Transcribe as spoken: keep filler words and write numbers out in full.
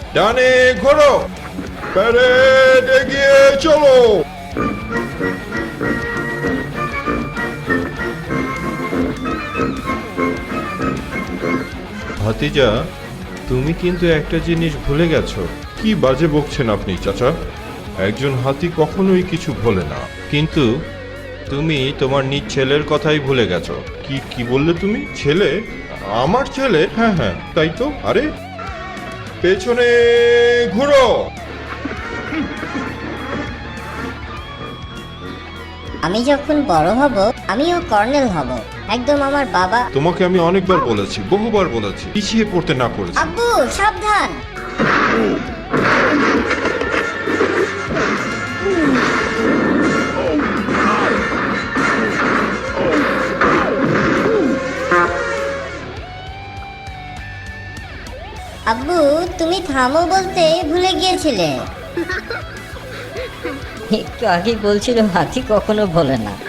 ডানে ঘোরো, প্যারেড এগিয়ে চলো। ভাতিজা, তুমি কিন্তু একটা জিনিস ভুলে গেছো। কি বাজে বকছেন আপনি চাচা? একজন হাতি কখনোই কিছু ভোলে না। কিন্তু তুমি তোমার নিজ ছেলের কথাই ভুলে গেছো। কি কি বললে তুমি? ছেলে? আমার ছেলে? হ্যাঁ হ্যাঁ, তাই তো। আরে পেছনে ঘুরো। আমি যখন বড় হব আমিও কর্নেল হব, একদম আমার বাবা। তোমাকে আমি অনেকবার বলেছি, বহুবার বলেছি, পিছিয়ে পড়তে না করেছি। আব্বু সাবধান। আব্বু তুমি থামো বলতে ভুলে গিয়েছিলে। একটু আগে বলছিল হাতি কখনো ভোলে না।